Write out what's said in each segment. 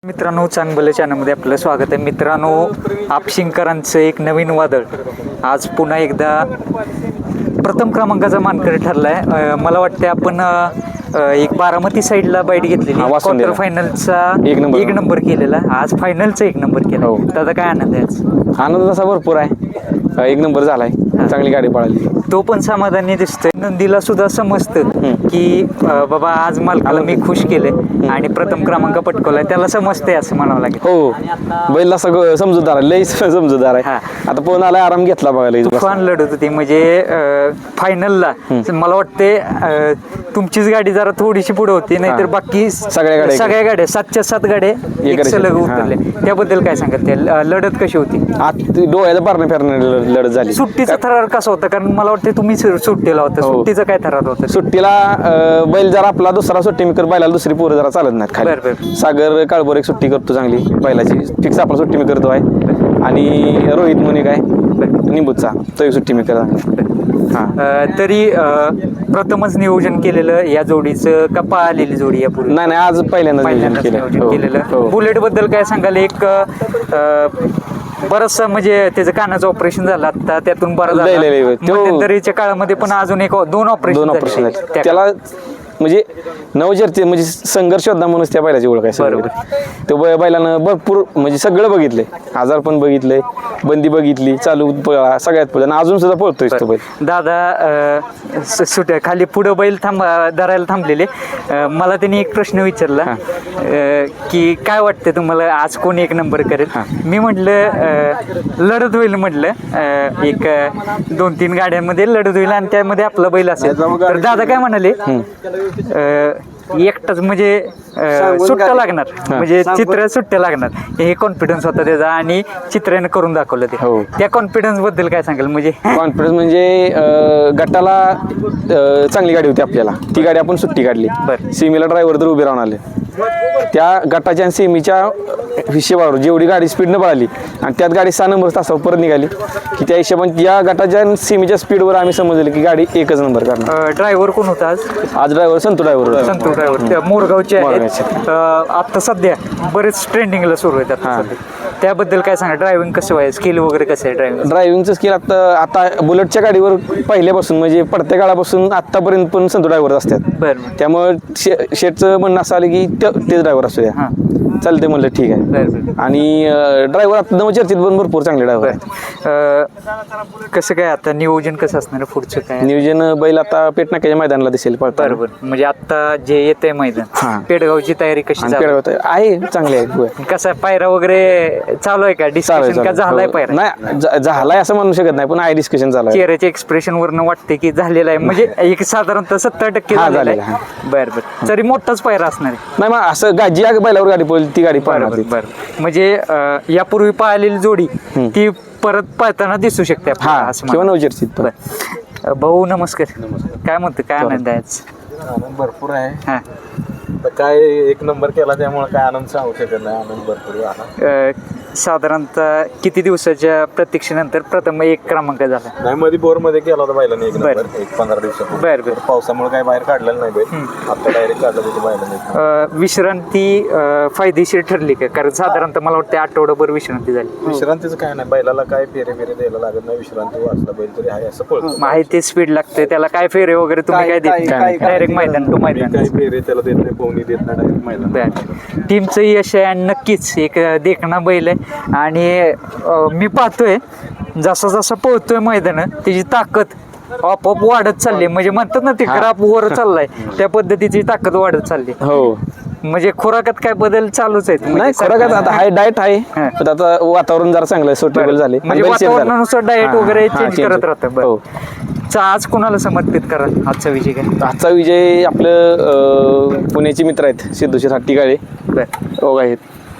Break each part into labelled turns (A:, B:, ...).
A: मित्रांनो, चांगलं चॅनलमध्ये आपलं स्वागत आहे. मित्रांनो, आपशिंगकरांचं एक नवीन वादळ आज पुन्हा एकदा प्रथम क्रमांकाचा मानकरी ठरलाय. मला वाटतं आपण एक बारामती साईडला बाईट घेतलेली, क्वार्टर फायनलचा एक नंबर केलेला, आज फायनलचा एक नंबर केला. त्याचा काय आनंद आहे? आज
B: आनंद तसा भरपूर आहे. एक नंबर झालाय, चांगली गाडी पळाली,
A: तो पण समाधानी दिसतोय. नंदीला सुद्धा समजतं की बाबा आज मालकाला मी खुश केले आणि प्रथम क्रमांक पटकवलाय, त्याला समजतंय असं म्हणावं लागेल.
B: हो, बैलला सगळं समजूतदार आहे, लई समजूतदार आहे. आता पण आलाय, आराम घेतला बघायला.
A: तुफान लढत होती म्हणजे फायनलला मला वाटते तुमचीच गाडी जरा थोडीशी पुढे होती, नाहीतर बाकी सगळ्या गाड्या 7च्या 7 गाड्या एक सलग उतरले. त्याबद्दल काय सांगत? लढत कशी होती?
B: डोळ्याला पारणं फेरणं लढत झाली.
A: सुट्टीचा थरार कसा होता? कारण मला वाटतं तुम्ही सुट्टीला होता. सुट्टीचा काय थरार होता?
B: सुट्टीला बैल जरा आपला दुसरा सुट्टी मेकर, बैलाला दुसरी पोरं जरा चालत नाहीत खाली. सागर काळभोर एक सुट्टी करतो चांगली, बैलाची फिक्स आपला सुट्टी मेकर तो आहे. आणि रोहित मुनी काय निंबूचा तो एक सुट्टी मेकर.
A: तरी प्रथमच नियोजन केलेलं या जोडीचं का पाहिलेली जोडी यापूर्वी?
B: नाही, आज पहिल्यांदा
A: नियोजन केलेलं. बुलेट बद्दल काय सांगाल? एक बरचसा म्हणजे त्याचं कानाचं ऑपरेशन झालं आता, त्यातून बरं झालं. मध्यंतरीच्या काळामध्ये पण अजून दोन ऑपरेशन
B: त्याला म्हणजे नवचर्चे म्हणजे संघर्ष होता म्हणून त्या बैलाची ओळख आहे. तो बैलानं भरपूर म्हणजे सगळं बघितलंय, आजार पण बघितलंय, बंदी बघितली, चालू सगळ्यात पुढे, अजून सुद्धा पळतोय तो बैल.
A: दादा सुट्या खाली पुढं बैल धरायला थांबलेले. मला त्यांनी एक प्रश्न विचारला की काय वाटतं तुम्हाला आज कोण एक नंबर करेल? मी म्हटलं लढत होईल, म्हटलं एक 2-3 गाड्यांमध्ये लढत होईल आणि त्यामध्ये आपला बैल असेल. तर दादा काय म्हणाले, एकटाच म्हणजे सुट्ट्या लागणार, म्हणजे चित्र सुट्ट्या लागणार, हे कॉन्फिडन्स होता त्याचा आणि चित्राने करून दाखवलं ते. त्या कॉन्फिडन्स बद्दल काय सांगाल? म्हणजे
B: कॉन्फिडन्स म्हणजे गटाला चांगली गाडी होती आपल्याला, ती गाडी आपण सुट्टी काढली. सीमेला ड्रायव्हर तर उभे राहून आले. त्या गटाच्या आणि सेमीच्या हिशेबावर जेवढी गाडी स्पीडनं पळाली आणि त्यात गाडी 6 नंबर तासावर परत निघाली की त्या हिशोबाने या गटाच्या आणि सेमीच्या स्पीडवर आम्ही समजलं की गाडी एकच नंबर करणार.
A: ड्रायव्हर कोण होता आज
B: ड्रायव्हर संतू
A: ड्रायव्हर मोरगावचे आहेत. आता सध्या बरेच ट्रेंडिंगला सुरू आहेत. त्याबद्दल काय सांगा? ड्रायव्हिंग कसं आहे, स्किल वगैरे कसं आहे?
B: ड्रायव्हिंगचं स्किल आता बुलेटच्या गाडीवर पहिल्यापासून म्हणजे पडत्या काळापासून आतापर्यंत पण संतू ड्रायव्हर असतात. त्यामुळे शेटचं म्हणणं असं आलं की तेच ड्रायव्हर असू द्या, चालते म्हणलं ठीक आहे. आणि ड्रायव्हर आता नवचर्चित पण भरपूर चांगले ड्रायव्हर आहेत.
A: कसं काय आता नियोजन कसं असणार पुढचं? काय
B: नियोजन? बैल आता पेटनाक्याच्या मैदानाला दिसेल.
A: बरोबर, म्हणजे आता जे येते मैदान पेडगावची तयारी कशी
B: आहे? चांगली आहे.
A: कसं पायरा वगैरे चालू आहे का? डिस्कशन का झालाय पायरा?
B: नाही झालाय असं म्हणू शकत नाही, पण आहे डिस्कशन चालू आहे.
A: चेहऱ्याच्या एक्सप्रेशन वरनं वाटते की झालेला आहे, म्हणजे एक साधारणतः 70% झालेला आहे. बरं, तरी मोठाच पायरा असणार आहे.
B: नाही मग असं जी बैलावर गाडी पळली ती गाडी पळणार.
A: म्हणजे यापूर्वी पाहिलेली जोडी ती परत पळताना दिसू शकते
B: किंवा नवचर्चित.
A: भाऊ नमस्कार. काय म्हणतो, काय आनंद आहे?
C: आनंद भरपूर आहे. काय एक नंबर केला त्यामुळे काय आनंद सांगू शकत नाही. आनंद भरपूर आहे.
A: साधारणतः किती दिवसाच्या प्रतीक्षेनंतर प्रथम एक क्रमांक झाला?
C: नाही, मध्ये बोर मध्ये केला होता बैलाने एक नंबर, एक 15 दिवसापूर्वी. पावसामुळे काय बाहेर काढलेलं नाही बैल, आता डायरेक्ट काढलं होतं बैलाने.
A: विश्रांती फायदेशीर ठरली का? कारण साधारणतः मला वाटतं आठवडाभर विश्रांती झाली.
C: विश्रांतीचं काय नाही, बैलाला काय फेरे द्यायला लागत नाही. विश्रांती वाचला बैल तरी आहे असं पळतो.
A: माहिती स्पीड लागते त्याला, काय फेरे वगैरे तुम्ही काय देत? डायरेक्ट मैदान टू मैदान.
C: काही फेरे त्याला देत नाही, पोहणी देत नाही, डायरेक्ट मैदान.
A: टीमचं यश आहे आणि नक्कीच एक देखणा बैल आहे. आणि मी पाहतोय जसा जसा पोहतोय मैदान त्याची ताकद आपोआप वाढत चालली. म्हणजे म्हणतात ना ते ग्राफ वर चाललाय, त्या पद्धतीची ताकद वाढत चालली.
B: हो,
A: म्हणजे खुराकात काय बदल चालूच आहेत?
B: नाही खुराकात आता हाय डाएट आहे, पण आता वातावरण जरा चांगलं सुटेबल झाले,
A: म्हणजे वातावरणानुसार डाएट वगैरे चेंज करत राहतं. आज कोणाला समर्पित करा आजचा विजय? काय
B: आजचा विजय? आपलं पुण्याचे मित्र आहेत सिद्धूशेठ हट्टीकाळे आहेत,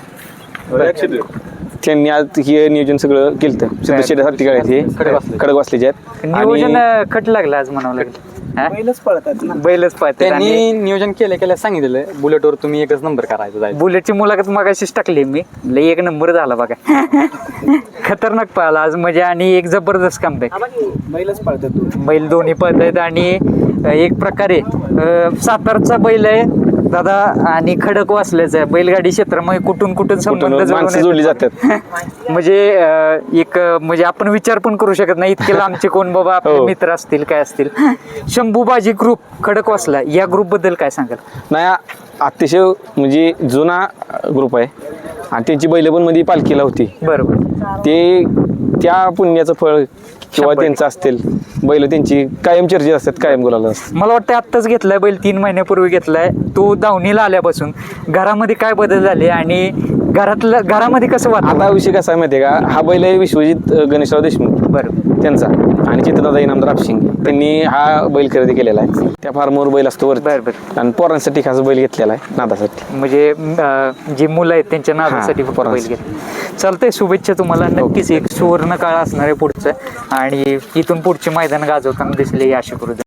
B: त्यांनी आज हे नियोजन सगळं केलं. सिद्धूशेठ हट्टीकाळे हे खडकवासलेचे आहेत.
A: नियोजन खट लागलं आज म्हणावं लागलं. बैलच पळतात.
D: त्यांनी नियोजन केलं सांगितलेलं बुलेटवर तुम्ही एकच नंबर करायचा.
A: बुलेटची मुलाखत मगाशीच टाकली मी, लई एक नंबर झाला बघा. खतरनाक पळाला आज म्हणजे, आणि एक जबरदस्त कमबॅक.
D: बैलच पळतात,
A: बैल दोन्ही पळत आहेत आणि एक प्रकारे सातारचा बैल आहे दादा आणि खडक वाचल्याच आहे बैलगाडी क्षेत्रामध्ये कुठून कुठून संबंध
B: माणसं
A: जुळून
B: जोडली
A: येतात.
B: जातात.
A: म्हणजे एक म्हणजे आपण विचार पण करू शकत नाही इतके लांबचे कोण बाबा आपले
B: हो.
A: मित्र असतील काय असतील. शंभूबाजी ग्रुप खडकवासला या ग्रुप बद्दल काय सांगाल?
B: नाही अतिशय म्हणजे जुना ग्रुप आहे आणि त्यांची बैल पण मध्ये पालखीला होती.
A: बरोबर.
B: ते त्या पुण्याचं फळ किंवा त्यांचं असतील बैल त्यांची कायम चर्चेत असतात, कायम गुलाला असतात.
A: मला वाटतं आत्ताच घेतलाय बैल 3 महिन्यापूर्वी घेतलाय तो दावणीला आल्यापासून घरामध्ये काय बदल झाले आणि घरामध्ये कसं वाटतं?
B: आता विषय कसा आहे माहिती आहे का, हा बैल आहे विश्वजित गणेशराव देशमुख
A: बरं.
B: त्यांचा आणि चित्रदादा इनामदार आपशिंग त्यांनी हा बैल खरेदी केलेला आहे. त्या फार्मवर बैल असतो वरती
A: बरं बरं.
B: आणि पोरांसाठी खास बैल घेतलेला आहे नादासाठी.
A: म्हणजे जी मुलं आहेत त्यांच्या नादासाठी फक्त बैल
B: पोरांसाठी.
A: घेतले. चालतंय, शुभेच्छा तुम्हाला. नक्कीच एक सुवर्ण काळ असणार आहे पुढचं आणि इथून पुढचे मैदान गाजवताना दिसले ही आशा करू.